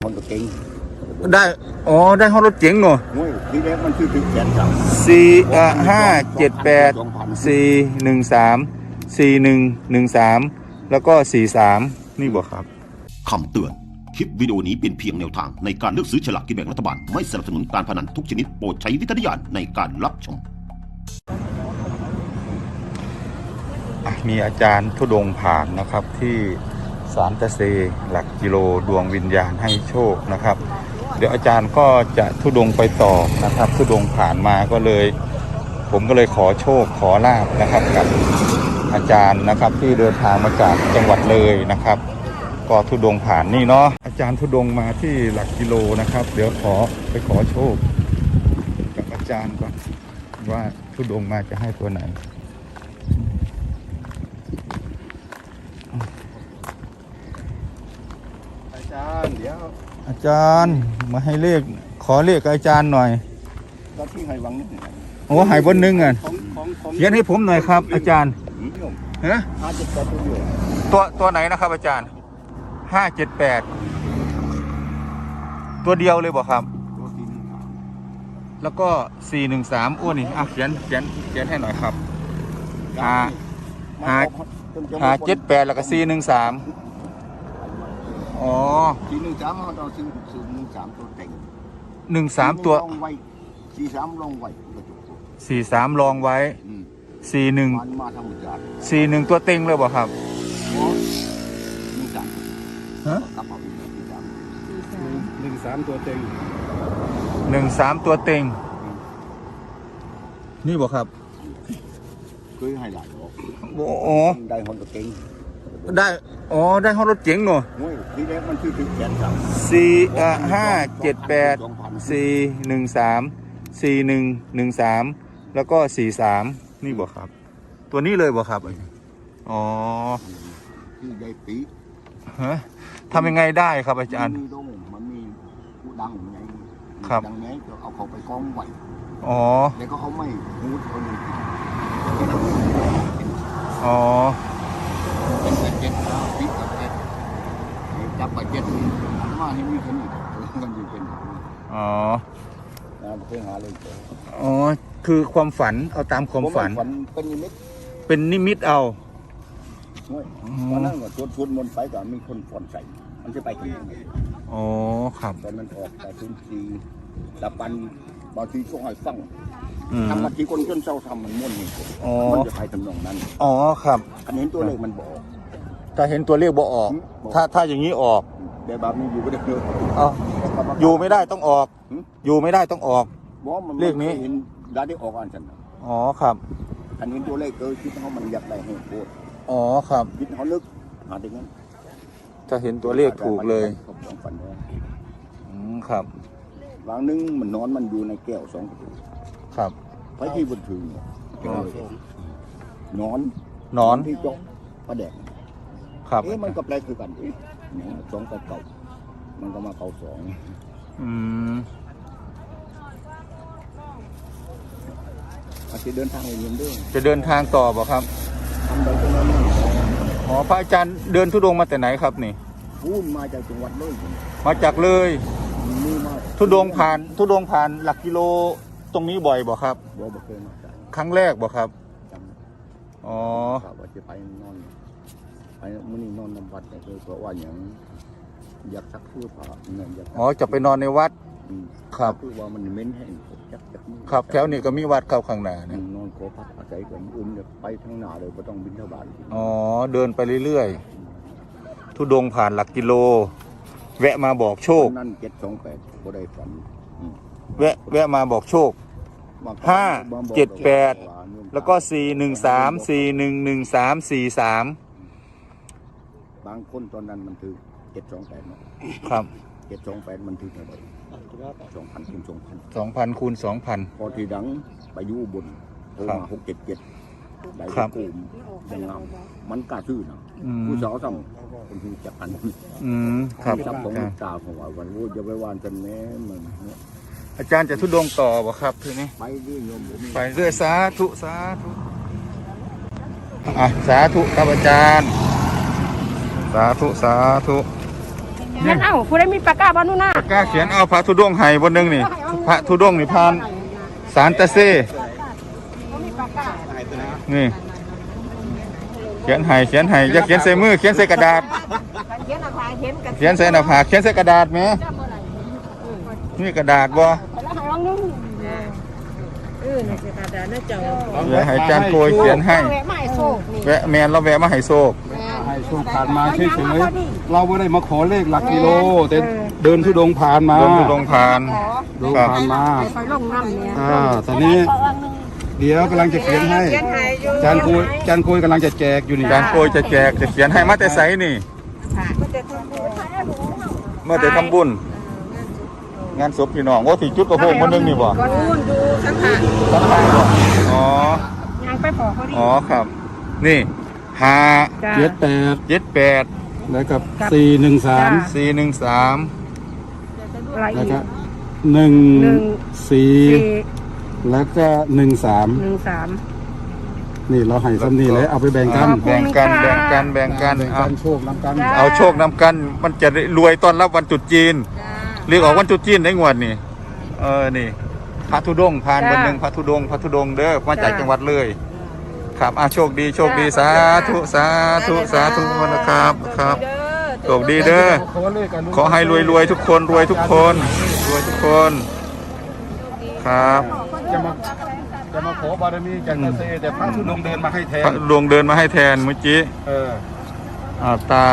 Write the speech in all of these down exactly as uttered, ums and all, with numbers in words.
คนตัวเก่งได้อ๋อได้ห้องรถเจ๋งเนาะโอ้ยทีแรกมันคือถึงแสนสามสี่อ่ะห้าเจ็ดแปดสี่หนึ่งสามสี่หนึ่งหนึ่งสามแล้วก็สี่สามนี่บอกครับคำเตือนคลิปวิดีโอนี้เป็นเพียงแนวทางในการเลือกซื้อฉลากกินแบ่งรัฐบาลไม่สนับสนุนการพนันทุกชนิดโปรดใช้วิจารณญาณในการรับชมมีอาจารย์ธุดงค์ผ่านนะครับที่ศาลตะเซหลักกิโลดวงวิญญาณให้โชคนะครับเดี๋ยวอาจารย์ก็จะธุดงค์ไปต่อนะครับธุดงค์ผ่านมาก็เลยผมก็เลยขอโชคขอลาภนะครับกับอาจารย์นะครับที่เดินทางมาจากจังหวัดเลยนะครับก็ธุดงค์ผ่านนี่เนาะอาจารย์ธุดงค์มาที่หลักกิโลนะครับเดี๋ยวขอไปขอโชคกับอาจารย์ก่อนว่าธุดงค์มาจะให้ตัวไหนอาจารย์เดี๋ยวอาจารย์มาให้เลขขอเลขอาจารย์หน่อยก็ที่ให้วังนิดหนึ่งโอ้หายบนนึงอ่ะเขียนให้ผมหน่อยครับอาจารย์ฮะห้าเจ็ดแปดตัวอยู่ตัวตัวไหนนะครับอาจารย์ห้าเจ็ดแปดตัวเดียวเลยบอกครับแล้วก็สี่หนึ่งสามอ้วนนี่อ่ะเขียนเขียนเขียนให้หน่อยครับห้าห้าห้าเจ็ดแปดแล้วก็สี่หนึ่งสามอ๋อสี่หนึ่งสามเขาต้องซื้อซื้อหนึ่งสามตัวเต็งหนึ่งสามตัวสี่สามลงไว้สี่สามลองไว้สี่หนึ่งสี่หนึ่งตัวเต็งเลยบอกครับหนึ่งสามฮะหนึ่งสามตัวเต็งหนึ่งสามตัวเต็งนี่บอกครับเคยให้หลายโอ้ได้คนตัวเก่งได้อ๋อได้ห้องรถเจ๋งเนาะทีแรกมันคือถึงแสนสามสี่อ่ะห้าเจ็ดแปดสี่หนึ่งสามสี่หนึ่งหนึ่งสามแล้วก็สี่สามนี่บอกครับตัวนี้เลยบอกครับอ๋อที่ได้ปีฮะทำยังไงได้ครับอาจารย์มันมีผู้ดังไงครับดังนี้จะเอาเขาไปกองไว้อ๋อแล้วก็เขาไม่หูคนอื่นอ๋อเป็นเจ็ดปีกับเจ็ดจับไปเจ็ดมาให้มีคนอื่นมันอยู่เป็นอ๋อเพื่อหาเลยอ๋อคือความฝันเอาตามความฝันเป็นนิมิตเป็นนิมิตเอาตอนนั้นก็ชวนชวนมนไปก็มีคนฟอนใส่มันจะไปที่ไหนอ๋อครับตอนมันออกแต่ทุนทีตะปันบางทีช่วงให้ฟังทำบางทีคนจนเศร้าทำมันม้วนนี่มันจะไปทำนองนั้นอ๋อครับอันเห็นตัวเลขมันบอกถ้าเห็นตัวเลขบอกออกถ้าถ้าอย่างนี้ออกเดี๋ยวแบบนี้อยู่ไม่ได้เลยอ๋ออยู่ไม่ได้ต้องออกอยู่ไม่ได้ต้องออกเลขนี้เห็นได้ได้ออกอันฉันอ๋อครับอันนี้ตัวเลขเกิดคิดเขามันอยากได้ให้โคตรอ๋อครับคิดเขาลึกหาถึงนั้นจะเห็นตัวเลขถูกเลยอืมครับบางนึงมันนอนมันอยู่ในแก้วสองประตูครับไปที่บนถึงนอนนอนที่จกประแดกครับเอ๊ะมันก็แปลคือกันเอ๊ะสองกับเก่ามันก็มาเก่าสองอืมอาจจะเดินทางไปเรียนด้วยจะเดินทางต่อบ่ครับทำไปตรงนั้นอ๋อพระอาจารย์เดินธุดงค์มาแต่ไหนครับนี่พูดมาจากจังหวัดเลยมาจากเลยธุดงค์ผ่านธุดงค์ผ่านหลักกิโลตรงนี้บ่อยบ่ครับบ่บ่เคยมาครั้งแรกบ่ครับอ๋อว่าจะไปนอนไปมื้อนี้นอนนำวัดแต่คือเพราะว่าอย่างอยากซักสื้อผ้าเงินอยากอ๋อจะไปนอนในวัดครับคือว่ามันเหม็นแห้งครับแถวนี้ก็มีวัดเข้าข้างหน้าเนี่ยนอนขอพักอาศัยก่อนอื่นไปทางหน้าเลยไม่ต้องบิณฑบาตอ๋อเดินไปเรื่อยๆธุดงค์ผ่านหลักกิโลแวะมาบอกโชคนั่นเจ็ดสองแปดบ่ได้ฝันแวะแวะมาบอกโชคห้าเจ็ดแปดแล้วก็สี่หนึ่งสามสี่หนึ่งหนึ่งสามสี่สามบางคนตอนนั้นมันถือเจ็ดสองแปดครับเจ็ดสองแปดมันถือเท่าไหร่สองพันคูณสองพันสองพันคูณสองพันพอทีดังไปอยู่บนโทรมาหกเจ็ดเจ็ดได้กลุ่มยังงามมันกล้าซื้อนะผู้สาวทำเป็นที่จับกันอืมครับจับตรงตาของว่าวันรู้จะไปวานกันแม้เหมือนอาจารย์จะทุดงต่อบ่ครับทีนี้ไปเรื่อยโยมไปเรื่อยสาธุสาธุอ่ะสาธุครับอาจารย์สาธุสาธุเขียนเอาผู้ใดมีปากกาบ้านู่นน่ะปากกาเขียนเอาพระธุดงค์ให้บนหนึงนี่พระธุดงค์นี่ผ่านสารตะเซนี่เขียนให้เขียนให้อย่าเขียนใส่มือเขียนใส่กระดาษเขียนใส่หน้าผากเขียนใส่กระดาษไหมนี่กระดาษบ่เดี๋ยวให้อาจารย์โกยเขียนให้แวะแมนเราแวะมาให้โชคให้โชคผ่านมาเฉยๆเราไม่ได้มาขอเลขหลักกิโลแต่เดินทุดงผ่านมาเดินธุดงค์ผ่านเดินครับผ่านมาไปลงน้ำเนี่ยอ่าตอนนี้เดี๋ยวกำลังจะเขียนให้จานคุยจานคุยกำลังจะแจกอยู่นี่อาจารย์โกยจะแจกจะเขียนให้มาแต่ไสนี่เมื่อแต่ทำบุญงานศพพี่น้องโอ้ที่จุดกระโปงคนนึงนี่บ่ก่อนนู่นดูสังขารสังขารบ่อ๋อยังไปพอเขาดีอ๋อครับ นี่ห้าเจ็ดแปดเจ็ดแปดแล้วกับสี่หนึ่งสามสี่หนึ่งสามอะไรแล้วอีก็กหนึ่งหนึ่งสี่สี่แล้วก็หนึ่งสามหนึ่งสามนี่เราให้ซ้ำนี่เลยเอาไปแบ่งกันแบ่งกันแบ่งกันแบ่งกันแบ่งเอากันโชคนำกันเอาโชคนำกัน มันจะได้รวยต้อนรับวันตรุษจีนเรียกออกวันตรุษจีนได้งวดนี่เออนี่พระธุดงค์ผ่านบนหนึ่งพระธุดงค์พระธุดงค์เด้อมาจากจังหวัดเลยครับอ่ะโชคดีโชคดีสาธุสาธุสาธุนะครับครับโชคดีเด้อขอเลขกันขอให้รวยรวยทุกคนรวยทุกคนรวยทุกคนครับจะมาจะมาขอบารมีจากเกษตรแต่พระธุดงค์เดินมาให้แทพระนดวงเดินมาให้แทนเมื่อกี้เอออ่าตา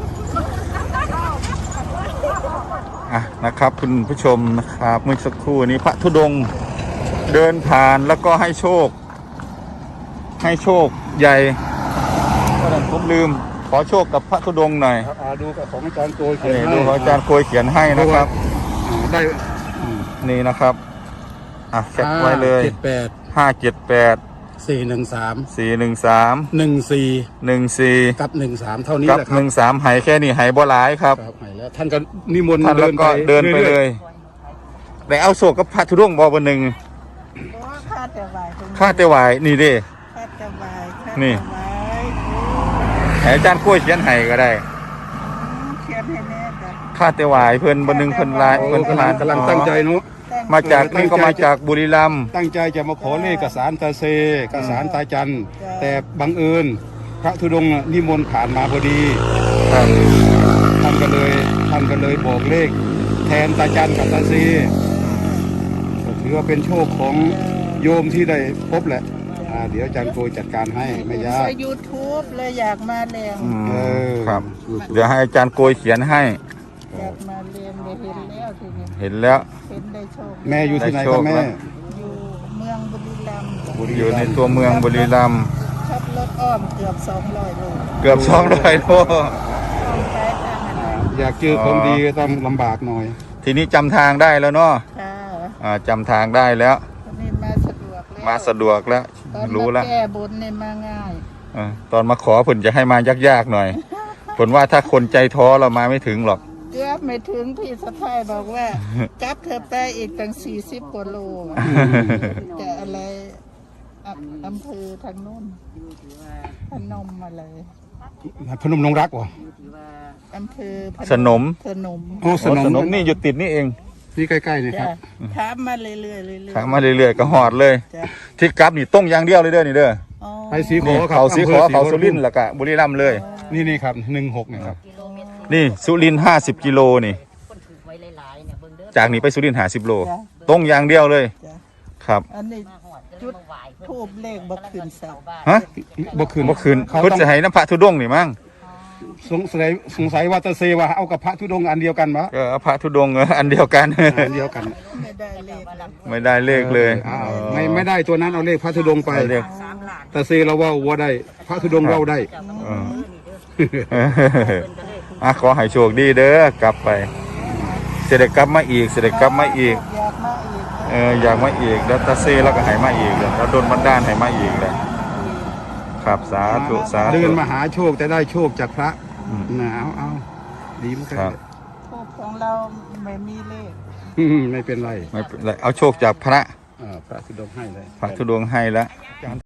อ่ะนะครับคุณผู้ชมนะครับเมื่อสักครู่นี้พระธุดงค์เดินผ่านแล้วก็ให้โชค ให้โชคใหญ่ผมลืมขอโชคกับพระธุดงค์หน่อยครับอ่าดูกับของอาจารย์โกยเขียนนี่ให้ดูของอาจารย์โกยเขียนให้นะครับอ่าได้อืมนี่นะครับอ่ะแคปไว้เลยเจ็ดแปดห้าเจ็ดแปดสี่หนึ่งสามสี่หนึ่งสามหนึ่งสี่หนึ่งสี่กับหนึ่งสามเท่านี้กับแหละคหรับนึ่งสามหายแค่นี้หายบ่หลายครับครับให้แล้วท่านก็นิมนต์ท่านแล้วก็เดินไปเลรื่อยแต่เอาโศกกับพระธุดงค์บอกวันหนึ่งค่าแต่ไหวข้าแต่ไหวนี่เด้ค่าแต่ไหวนี่ ให้อาจารย์กล้วยเขียนให้ก็ได้เขียนให้แน่จ้ะข้าแต่ไหวเพิ่นบนหนึ่งเพิ่นลายๆโอ้เพิ่นกำลังกำลังตั้งใจเนาะมาจากนี่ก็มาจากบุรีรัมย์ตั้งใจจะมาขอเลขกับสารตาเซกับสารตาจันแต่บังเอิญพระธุดงค์นิมนต์ผ่านมาพอดีครับท่านก็เลยท่านก็เลยบอกเลข แทนตาจันกับตาเซถือว่าเป็นโชคของโยมที่ได้พบแหละอ่าเดี๋ยวอาจารย์โกยจัดการให้ไม่ยากใส่ยูทูบเลยอยากมาเรียนอืมเออครับ เดี๋ยวให้อาจารย์โกยเขียนให้อยากมาเรียนได้เห็นแล้วทีนี้เห็นแล้วเห็นได้โชคแม่อยู่ที่ไหนได้โชครับคแม่แล้วอยู่เมืองบุรีรัมย์อยู่ในตัวเมืองบุรีรัมย์ขับรถอ้อมเกือบสองร้อยโลเกือบสองร้อยโลอ้อมไปทางอะไรอยากเจอของดีก็ต้องลำบากหน่อยทีนี้จำทางได้แล้วเนาะค่ะอ่าจำทางได้แล้ววันนี้มาสะดวกแล้วมาสะดวกแล้วตอนรู้มาแล้วแก้บนเนี่ยมาง่ายเออตอนมาขอผลจะให้มายากๆหน่อยผลว่าถ้าคนใจท้อเรามาไม่ถึงหรอกเกือบไม่ถึงพี่สะพ้ายบอกว่า จับเธอไปอีกตั้งสี่สิบกว่าโลอะจะอะไรอ่ะอำเภอทางนู้นพนมอะไรพนมนงรักวะอำเภอพสนมสนมโอ้สโอ้นมสนมนี่อยู่ติดนี่เองนี่ใกล้ๆนี่คจ้ะรับถามมาเรื่อยๆเรื่อยๆขามาเรื่อยๆก็หอดเลยจ้ะที่กลับนี่ต้องอย่างเดียวเลยเด้อนี่เด้ออ๋อไปสีขอนี่ครับเขาสีขออำภเขาสุรินทร์แล้วก็บุรีรัมย์เลยนี่นี่ครับหนึ่งหกนี่ครับนี่สุรินทร์ห้าสิบกิโลนี่ จากนี้ไปสุรินทร์ห้าสิบโลตรงอย่างเดียวเลยจ้ะครับอันนี้จุดทูบเลขบักขึ้นเสาฮะบ่คืนเมื่อคืนเขาเพิ่นต้องจะให้น้ำพระธุดงค์นี่มั้งสงสัยสงสัยว่าตาเซว่าเอากับพระธุดงค์อันเดียวกันวะก็เอาพระธุดงค์เอออันเดียวกันอันเดียวกันไม่ได้เลขเลยไม่ได้เลขเลยอ้าวไม่ไม่ได้ตัวนั้นเอาเลขพระธุดงค์ไปเอาเลขตาเซเราว่าว่าได้พระธุดงค์เราได้เอออ่ะขอให้โชคดีเด้อกลับไปเสด็จกลับมาอีกเสด็จกลับมาอีกอยากมาอีกเอออยากมาอีกแล้วตาเซแล้วก็ให้มาอีกแล้วแล้วโดนบันดาลให้มาอีกเลยครับสาธุสาธุเดินมาหาโชคแต่ได้โชคจากพระอืมนะเอาเอาดีเหมือนกันครับทูบของเราไม่มีเลขอืมไม่เป็นไรไม่เป็นไรเอาโชคจากพระอ่าพระธุดงค์ให้เลยพระธุดงค์ให้แล้ว